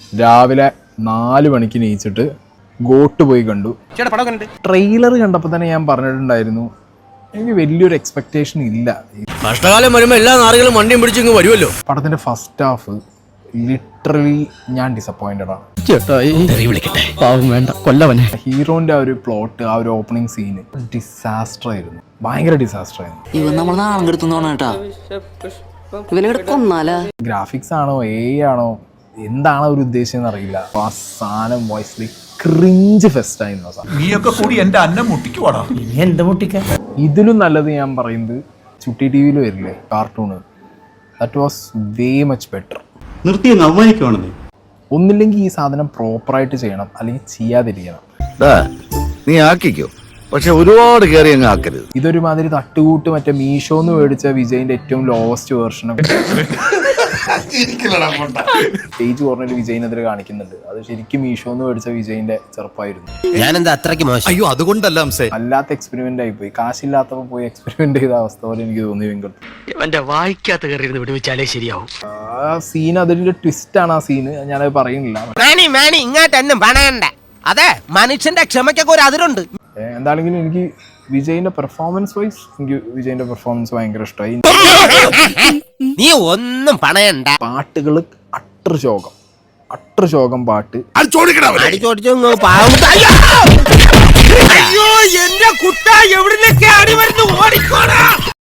രാവിലെ 4 മണിക്ക് നീച്ചിട്ട് ഗോട്ട് പോയി കണ്ടു. ട്രെയിലർ കണ്ടപ്പോൾ തന്നെ ഞാൻ പറഞ്ഞിട്ടുണ്ടായിരുന്നു എനിക്ക് വലിയൊരു എക്സ്പെക്ടേഷൻ ഇല്ല. കഷ്ടകാലം വരുമ്പോൾ എല്ലാ നാറുകളും വണ്ടിയും പിടിച്ചിങ്ങ് വരുമല്ലോ. പടത്തിന്റെ ഫസ്റ്റ് ഹാഫ് ലിറ്ററലി ഞാൻ ഡിസപ്പോയിന്റഡ് ആണ്. ഹീറോന്റെ ആ ഒരു പ്ലോട്ട്, ആ ഒരു ഓപ്പണിംഗ് സീന് ഡിസാസ്റ്റർ ആയിരുന്നു, ഭയങ്കര ഡിസാസ്റ്റർ ആയിരുന്നു. ഗ്രാഫിക്സ് ആണോ ആണോ എന്താണ് അവർ ഉദ്ദേശിച്ചെന്ന് അറിയില്ല. ആ സാധനം വോയിസ്ലി ക്രിഞ്ച് ഫെസ്റ്റ് ആയിരുന്നു. ഇതിലും നല്ലത് ഞാൻ പറയുന്നത് ചുട്ടി ടിവിയിൽ വരില്ലേ cartoon, that was way much better. ഒന്നില്ലെങ്കിൽ ഈ സാധനം പ്രോപ്പറായിട്ട് ചെയ്യണം, അല്ലെങ്കിൽ ചെയ്യാതിരിക്കണം. നീ ആക്കിക്കോ, പക്ഷെ ഒരുപാട് കയറി അങ്ങ് ആക്കരുത്. ഇതൊരുമാതിരി തട്ടുകൂട്ട് മറ്റേ മീഷോന്ന് മേടിച്ച വിജയിന്റെ ഏറ്റവും ലോവസ്റ്റ് വേർഷനും സ്റ്റേജ് കോർണറിൽ വിജയിനെതിരെ കാണിക്കുന്നുണ്ട്. അത് ശരിക്കും മീഷോന്ന് മേടിച്ച വിജയിന്റെ ചെറുപ്പമായിരുന്നു. ഞാനെന്താ അത്രയ്ക്ക് മോശം? അയ്യോ അതുകൊണ്ടല്ല, അല്ലാത്ത എക്സ്പെരിമെന്റ് ആയി പോയി. കാശില്ലാത്തപ്പോ പോയി എക്സ്പെരിമെന്റ് ചെയ്ത അവസ്ഥ പോലെ എനിക്ക് തോന്നി. വായിക്കാത്ത കയറി വിടുവിച്ചാലേ ശരിയാവും. ആ സീൻ അതിന്റെ ട്വിസ്റ്റ് ആണ്. ആ സീന് ഞാനത് പറയുന്നില്ല. ഇങ്ങോട്ടൊന്നും പറയണ്ട, അതെ മനുഷ്യന്റെ ക്ഷമയ്ക്കൊക്കെ ഒരു അതിരുണ്ട്. എന്താണെങ്കിലും എനിക്ക് വിജയിന്റെ പെർഫോമൻസ് വൈസ് എനിക്ക് വിജയിന്റെ പെർഫോമൻസ് ഭയങ്കര ഇഷ്ടമായി. നീ ഒന്നും പണയണ്ട. പാട്ടുകൾ അട്ടർ ശോകം പാട്ട്. അയ്യോ എന്റെ കുട്ട എവിടുന്നൊക്കെ അടി വരുന്നു, ഓടിക്കോടാ.